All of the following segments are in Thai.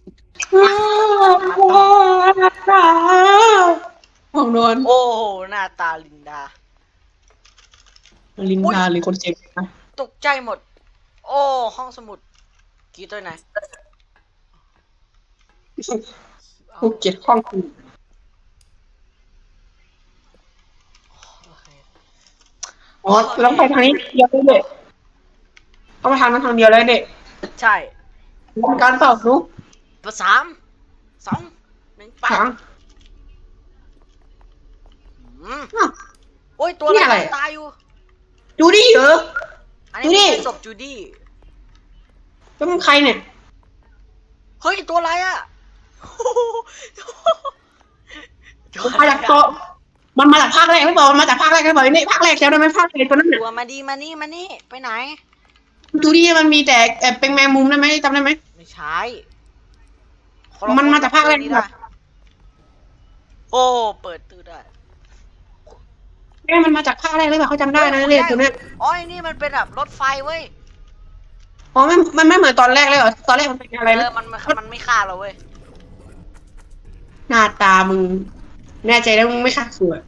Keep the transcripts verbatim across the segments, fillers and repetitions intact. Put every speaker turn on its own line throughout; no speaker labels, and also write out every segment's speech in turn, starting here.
ห้องนอน
โอ้โหหน้าตาลินดา
ลิน
อุ้ย
ดาหรือคนเจ็บนะ
ตกใจหมดโอ้ห้องสมุดกี่ตัวไหนเอา
ภูเก็ตห้องกู
โอเค
อ๋อต้องไปทางนี้เดียวเลยเด็กต้องไปทางนั้นทางเดียวเลยเด็ก
ใช่
การต่อสู้
ประสามสองหนึ่งไป
ทาง
อืม
อ้าว
โอ้ยตัว
นี่
อะไร
อะไร
ตายอยู่
จูดี้เหรอ
อันนี้
ดูดิ
ไม่ใช่ศพจูดี้
แล้วมึงใครเนี่ย
เฮ้ยตัวอะไรอ่ะ
มันมาจากเกาะมันมาจากภาคแรกไม่บอกมันมาจากภาคแรกไม่บอกนี่ภาคแรกแล้วได้ไหมภาคแรกตัวนั้นเนี่ย
ตัวมาดีมานี่มานี่ไปไหน
จูดี้มันมีแต่แอบเป็นแมงมุมได้ไหมจำได้ไหม
ไม่ใช่
มันมาจากภาคแรก
นี้
แบ
ได้
บ
โอ้เปิดตู้ได้
แม่มันมาจากภาคแรกเลยแบบเขาจำได้นะเนี่ยตัวเนี้ย
อ๋อไอ้นี่มันเป็นแบบรถไฟเว้ย
อ๋อไม่มันไม่เหมือนตอนแรกเลยเหรอตอนแรกมันเป็นอะไร
เอ
นะ
อมันมันมันไม่ฆ่าเราเว้ย
หน้าตามึงแน่ใจแล้วมึงไม่ฆ่าสวย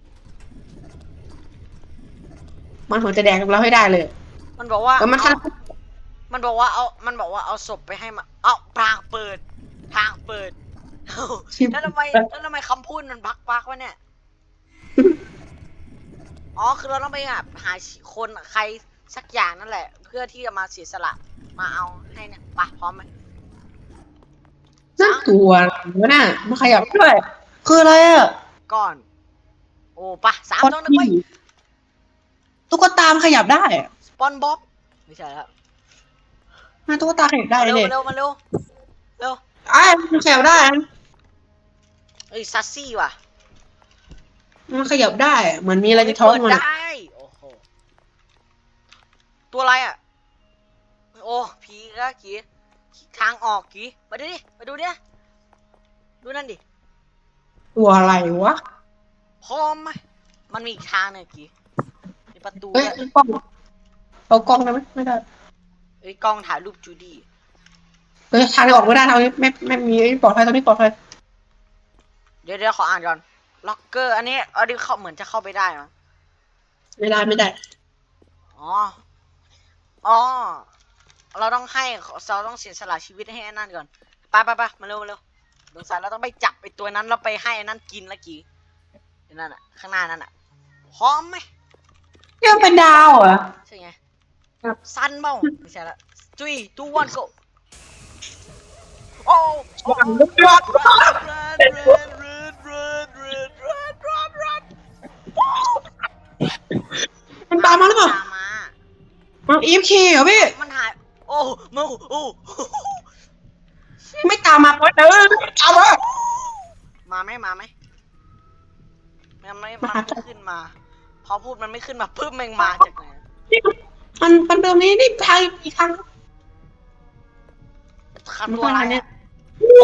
มันหัวจะแดงกับเราให้ได้เลย
มันบอกว่า
เออมัน
เอา
ทำ
มันบอกว่าเอา มันบอกว่าเอาศพไปให้มาเอาทางเปิด ทางเปิดเอ้าแล้วทำไมแล้วทำไมคำพูดมันบักบักวะเนี่ย อ๋อคือเราต้องไปแบบหาคนใครสักอย่างนั่นแหละ เพื่อที่จะมาเสียสละมาเอาให้เนี่ยไปพร้อมไหม
นั่นตัววะน่ะมันขยับด้วยคืออะไรอ่ะ
ก่อน โอ้ปะสาม
คอ
ต้องนึกไว้
ตุ๊กตามันขยับได้อะ
สปอนบ็อกไม่ใช่แล้ว
หน้าตุ๊กตาขยับได้
มาเร็ว
เลย
มาเร็วมาเร็วเร็ว
ไอ้มันขยับได้อะ
เอ้ยซัสซี่ว่ะ
มันขยับได้อะเหมือนมีอะไรในท้อง
เปิด
มันอะ
ได้โอ้โหตัวอะไรอ่ะโอ้ผีละกี่ทางออกกี่มาดูดิมาดูดิดูนั่นดิ
ตัวอะไรวะ
พร้อมไหมมันมีอีกทางหนึงกี่มีประตู
เอ้ย
ด้วย
กล้องเอากล้องได้ไหมไม่ได้
เอ้ยกล้องถ่ายรูปจูดี้
เอ้ยทางออกไม่ได้ทางนี้ไม่ไม่มีปลอดภัยตอนนี้ปลอดภัย
เดี๋ยวเดี๋ยวขออ่านก่อนล็อกเกอร์อันนี้เอาดิเข้าเหมือนจะเข้าไปได้มั้ง
ไม่ได้ไม่ได้
อ๋ออ๋อเราต้องให้เราต้องเสียสละชีวิตให้ไอ้นั่นก่อนไปไปไปมาเร็วมาเร็วสงสัยเราต้องไปจับไอ้ตัวนั้นแล้วไปให้ไอ้นั่นกินละกี่ไอ้นั่นอ่ะข้างหน้านั่นอ่ะพร้อมไหม
นี่มันเป็นดาวเหรอ
ใช่ไง
ครับ
สั้นเปล่าไม่ใช่ละจุยตูวันโกโอ้โอ้
วางลูกยอด
รันรันรันรันรันรันรันรัน
มันตามมาหรือเปล่า
ตามมา
มันอีฟเคเหรอพี่
มันหายโอ้โมโอ้
ไม่ตามมาเพราะเออตามมา
มาไหมมาไหมมันไม่มันไม่ขึ้นมาพอพูดมันไม่ขึ้นมาปึ๊บแมงมาจากไหน
มันมันตรงนี้นี่ทางอีกทาง
ขับตัวอะไรเนี่ย
โอ้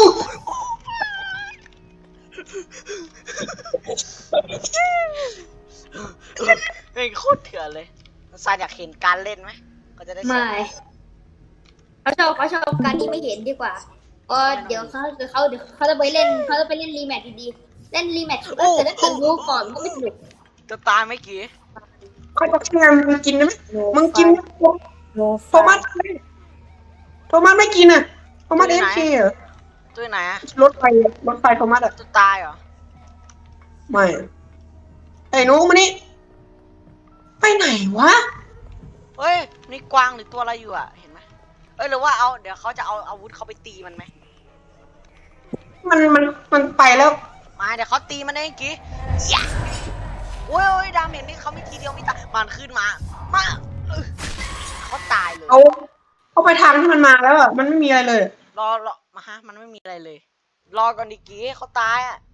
เฮ้ยโคตรเถื่อนเลยซายอยากเห็นการเล่นไหมก็จะได้สอน
ไม่เขาชอบเขาชอบการที่ไม่เห็นดีกว่าเออเดี๋ยวเขาเดี๋ยวเขาเดี๋ยวเขาจะไปเล่นเขาจะไปเล่นรีแมทดีๆเล่นรีแมทแต่ถ้าเกิดรู้ก่อนมันก็ไม่สนุก
จะตายไหมกี่
เขาจะเชื่อมึงกินได้ไหมมึงกินโทมัสโทมัสไม่กินอ่ะโทมัสเอฟเคเหรอ
ตัวไหนอะ
รถไฟรถไฟโทมัสอ่ะ
จะตายเหรอ
ไม่ไอ้หนูมานี่ไปไหนวะ
เฮ้ยนี่กวางหรือตัวอะไรอยู่อะเห็นไหมเอ้ยหรือว่าเอาเดี๋ยวเขาจะเอาอาวุธเขาไปตีมันไหม
มันมันมันไปแล้ว
มาเดี๋ยวเขาตีมันเองกี่ยะโอ้ยโอ้ยดาเมจนี่เขาไม่ทีเดียวไม่ตายมันขึ้นมามาเออเขาตายเลย
เอาเอาไปทางที่มันมาแล้วอ่ะมันไม่มีอะไรเลย
รอรอมาฮะมันไม่มีอะไรเลย รอก่อนดิกี้เขาตายอ่ะ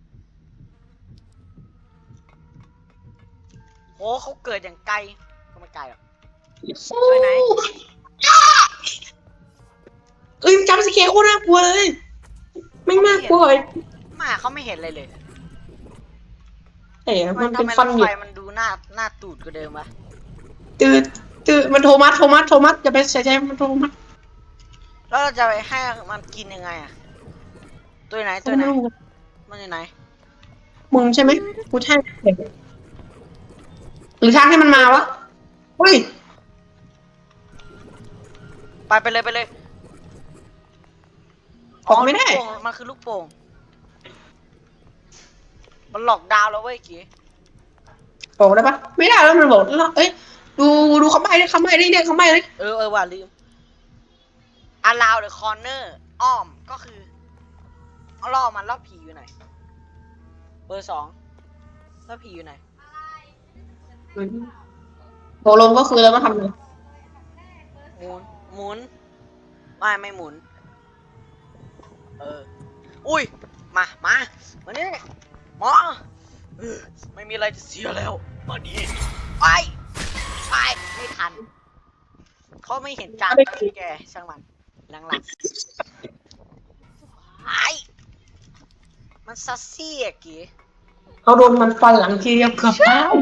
โหเขาเกิดอย่างไกลก็ไม่ไกลหรอกช่วยไหน
เอ้ยจำสเกลโคตรน่ากลัวเลยไม่น่ากลัวเลย
มาเขาไม่เห็นอะไรเลย
เอ๋มัน
ทำ
เป็น
ไมร
ฟัน
ถ
ห
ไฟ
ยิบ
มันดูหน้าหน้าตูดกว่าเดิมวะ
ตืดตืดมันโทมัสโทมัสโทมัสอย่าไปเสียใจมันโทมัส
แล้วเราจะไปให้มันกินยังไงอะตัวไหนตัวไหนมันอยู่ไหน
มึงใช่ไหมกูใช่หรือทางให้มันมาวะเฮ้ย
ไปไปเลยไปเลย
ออกไม่ได้
ลูโป่งมันคือลูกโป่งมันหลอกดาวน์แล้วเว้ยกี้
ออกได้ปะไม่ได้แล้วมันบอกเอ้ยดูดูคำใบ้ดิคำใบ้ดิเนี่ยคำใบ้เลย
เออเออว่าลืม allow the corner อ้อมก็คือเอาล่อมันล่อผีอยู่ไหนเบอร์สองล่อผีอยู่ไหน
โตลงก็คือแล้วก็ทำเลย
หมุนหมุนไม่ไม่หมุนเอออุ้ยมามามานี่หมอเออไม่มีอะไรจะเสียแล้วมาดีไปไปไม่ทันเขาไม่เห็นจานแกช่างมันหลังๆไอ้มันซัสซี่อะกี
เขาโดนมันฟันหลังทีเดียวเกือบตาย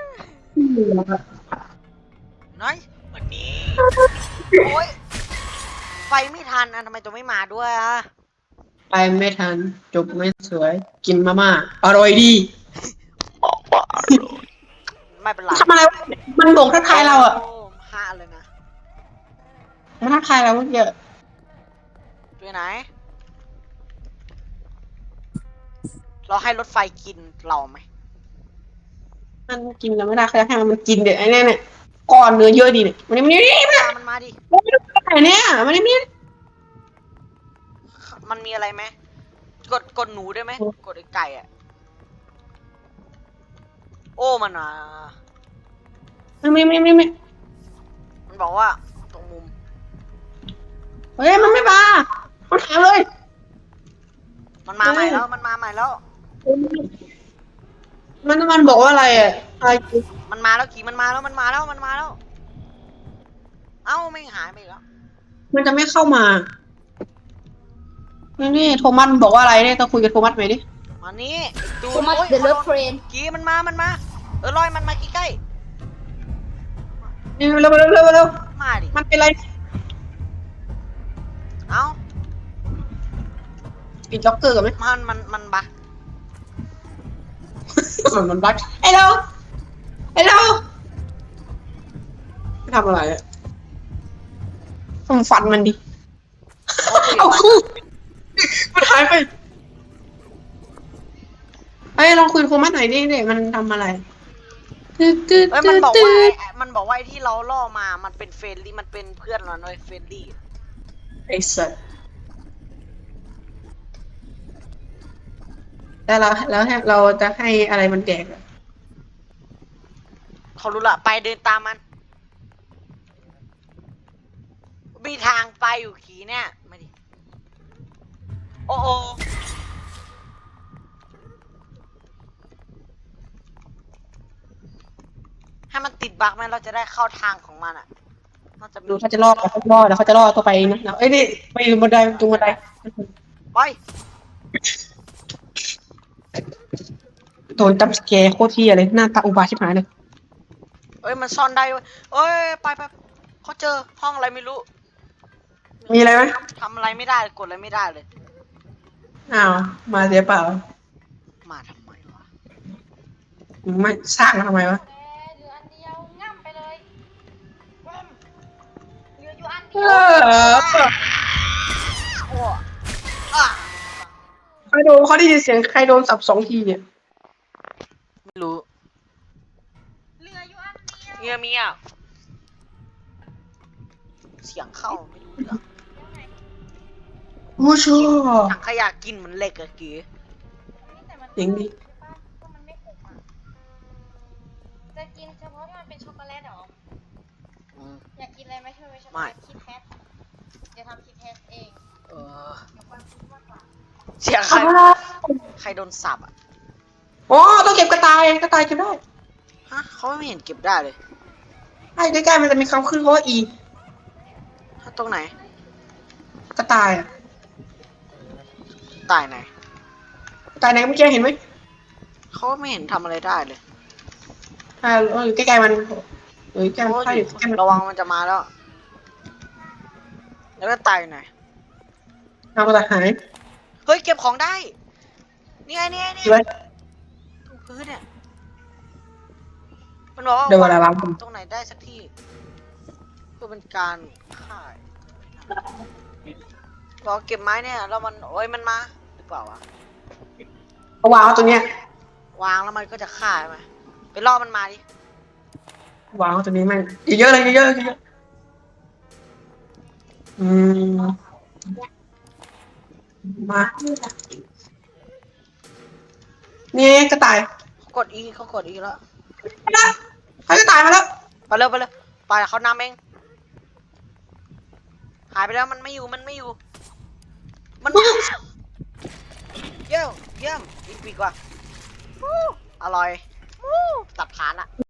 น้อยวันนี้โอ้ยไฟไม่ทันอ่ะทำไมตัวไม่มาด้วยอ่ะ
ไปไม่ทันจบไม่สวย กินมาม่าอร่อยดี
ไม่เป็นไร
ทำอะไรวะมันโด่งทักทายเราอ่ะ
โห้าเลยนะ
มันทักทายเราเมื่อกี้
ตัวไหน เราให้รถไฟกินเราไหม
มันกินกันไม่ได้เขาจะให้มันกินเด็ดไอ้เนี่ยเนี่ยก้อนเนื้อเยอะดีเนี่ยมันนี่มันนี่มัน
ตามมันมาดิ
ไอ้เนี่ยมันนี่มัน
มันมีอะไรไหมกดกดหนูได้ไหมกดไอ้ไก่อะโอ้มันอ่ะ
มันไม่ไม่ไม่ไม่
มันบอกว่าตรงมุม
เฮ้ยมันไม่มามันถามเลย
มันมาใหม่แล้วมันมาใหม่แล้ว
มันมันบอกว่าอะไรอ่ะอะไร
มันมาแล้วกี่มันมาแล้วมันมาแล้วมันมาแล้ว เอ้าไม่หายไปอีกแล้ว
มันจะไม่เข้ามานี่นี่โทมัสบอกว่าอะไรเนี่ยต้องคุยกับโทมัสไหมดิ
มานี่ดู
โทมัส
โอ้ย
เดอะเลิฟเทรน
กี่มันมามันมาเออลอยมันมาใกล้
นี่เร็วเร็วเร็วเร็ว
ๆมาดิ
มันเป็นไร
เอ้า
ปิดล็อกเกอร์กันไหม
มันมันมันบัก
มันมันบักไอ้เราไอ้เราไม่ทำอะไรอ่ะต้องฟันมันดิ
โอเค
เอาคู่มันหายไปเอ้ยลองคุยกับโทมัสหน่อยดิเด็กมันทำอะไรตื้อตื้อ
เอ้ยมั
ตื้
น
อ
บอก
ตื้
ว่า
อ
ไอ้มันบอกว่าไอ้ที่เราล่อมามันเป็นเฟรนลี่มันเป็นเพื่อนเราเลยเฟรนลี่
ไอ้สัสแล้วเราแล้วให้เราจะให้อะไรมันแดกอะ
เขารู้ละไปเดินตามมันมีทางไปอยู่ขี่เนี่ยมาดิโอ้โอให้มันติดบั๊กไหมเราจะได้เข้าทางของมันอ่ะมันจะมี
ดูเขาจะล่อเขาจะล่อแล้วเขาจะล่อตัวไปนะเอ้ยนี่ไปอยู่บนไดตรงบันได
ไป
โดนจับสแกร์โคตรเที่ยเลยหน้าตาอุบาทชิบหายเลย
เอ้ยมันซ่อนได้เว้ยเอ้ยไปไปเขาเจอห้องอะไรไม่รู้
มีอะไรไหม
ทำอะไรไม่ได้กดอะไรไม่ได้เลย
อ้าวมาเสียเปล่า
มาทำไมวะ
ไม่สร้างมาทำไมวะ
เหลืออันเดียวง่ำไปเลยเหลืออยู่อัน
เอ
เดียว
อ
โอ้อ่ะ
ใครโดนเขาได้ยินเสียงใครโดนสับสองทีเนี่ย
ไม่รู้
เหลืออยู่อันเดียว
เงียบเงียบเสียงเข้าไม่รู้เรื่อง
โอ้ชัว
ถังขยะกินเหมือนเหล็กอะกี้
เสียงดี
ก็มันไม่ขมอ่ะจะกินเฉพาะที่มันเป็นช็อกโกแลตเหรอ
อืม
อยากกินอะไรไหมเธอช็อกโก
ไม่
แลตคิดแพทจะทำคิดแพทเอง
เออ
เดี๋ยวความคิดมากกว่า
เสียงใครใครโดนสับอะ
อ๋อต้องเก็บกระต่ายกระต่ายเก็บได้
ฮะเขาไม่เห็นเก็บได้เลย
ไอ้ใกล้ๆมันจะมีคำขึ้นเขาว่าอี
ถ้าตรงไหน
กระต่ายอะ
ตายไหน
กระต่ายไหนเมื่อกี้เห็นไหม
เขาไม่เห็นทำอะไรได้เลย
อ่าอยู่ใกล้ๆมันเอ้ยใกล้
โอ้
มันใกล้
ย
อยู่ใกล้มัน
ระวังมันจะมาแล้ว แล้วก็ตายไหน
เอามาหาย
เฮ้ยเก็บของได้นี่ไงนี่ไงนี่
เลย
ตรงพื้นเนี่ยมันบอกว่า
เดี๋ยวเวลาล้าง
ตรงไหนได้สักที่เพื่อเป็นการข่ายบอกเก็บไม้เนี่ยแล้วมันโอ้ยมันมาหรือเปล่าวะ
เอาวางตัวเนี้ยว
างแล้วมันก็จะฆ่าใช่ไหมไปล่อมันมาดิ
วางตัวนี้แม่งเยอะๆเลยเยอะๆเยอะๆอืมมานี่กระต่าย
เขากดอีเขากดอีแล้ว
ไปแล้วให้กระต่ายมาแล้ว
ไปเร็วไปเร็วไปเขานำเองหายไปแล้วมันไม่อยู่มันไม่อยู่ มันมาเยี่ยมเยี่ยมอีกปีกว่า อร่อย ตัดฐานอะ